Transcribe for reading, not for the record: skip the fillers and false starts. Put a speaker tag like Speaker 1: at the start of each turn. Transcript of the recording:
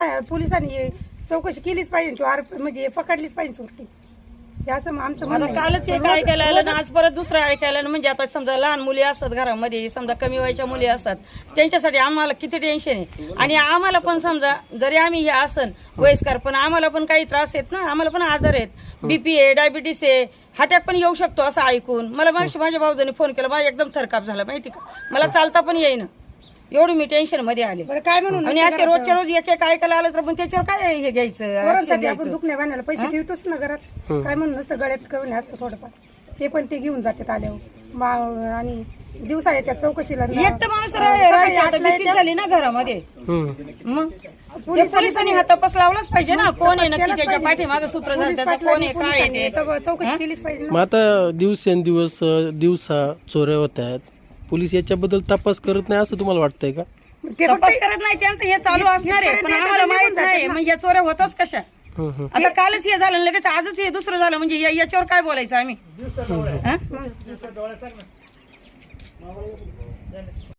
Speaker 1: पोलिसांनी चौकशी केलीच पाहिजे, तो म्हणजे पकडलीच पाहिजे चोरटी. असं आमचं
Speaker 2: मला कालच एक ऐकायला आलं ना, आज परत दुसरं ऐकायला आलं. म्हणजे आता समजा लहान मुली असतात घरामध्ये, समजा कमी वयाच्या मुली असतात, त्यांच्यासाठी आम्हाला किती टेन्शन आहे. आणि आम्हाला पण समजा जरी आम्ही हे असन वयस्कर, पण आम्हाला पण काही त्रास आहेत ना, आम्हाला पण आजार आहेत, BP आहे, डायबिटीस आहे, अटॅक पण येऊ शकतो असं ऐकून मला माझ्या भाऊजाने फोन केला. मला एकदम थरकाप झाला माहिती का, मला चालता पण येईना, एवढी मी टेन्शन मध्ये आले.
Speaker 1: काय म्हणून
Speaker 2: आणि असे रोजच्या रोज एक एक ऐकायला आलं तर पण त्याच्यावर काय हे घ्यायचं.
Speaker 1: आपण दुखण्या बांधायला पैसे ठेवतोच ना घरात. काय म्हणून नसतं, गळ्यात कमी असतं थोडंफार, ते पण ते घेऊन जातात आल्यावर. आणि दिवसा येतात चौकशीला.
Speaker 2: एकटं माणूस झाली ना घरामध्ये, मग पोलिसांनी हा तपास लावलाच पाहिजे ना, कोण आहे नक्की त्याच्या पाठीमागे सूत्रधार, त्याचा कोण आहे, काय आहे ते
Speaker 1: चौकशी केलीच पाहिजे.
Speaker 3: मग आता दिवसेंदिवस दिवसा चोऱ्या होत आहेत, पोलीस याच्याबद्दल तपास करत नाही असं तुम्हाला वाटतंय का?
Speaker 2: तपास करत नाही, त्यांचं हे चालू असणार आहे, पण आम्हाला माहित नाही मग या चोऱ्या होतच कशा. आता कालच हे झालं, लगेच आजच हे दुसरं झालं, म्हणजे याच्यावर काय बोलायचं आम्ही.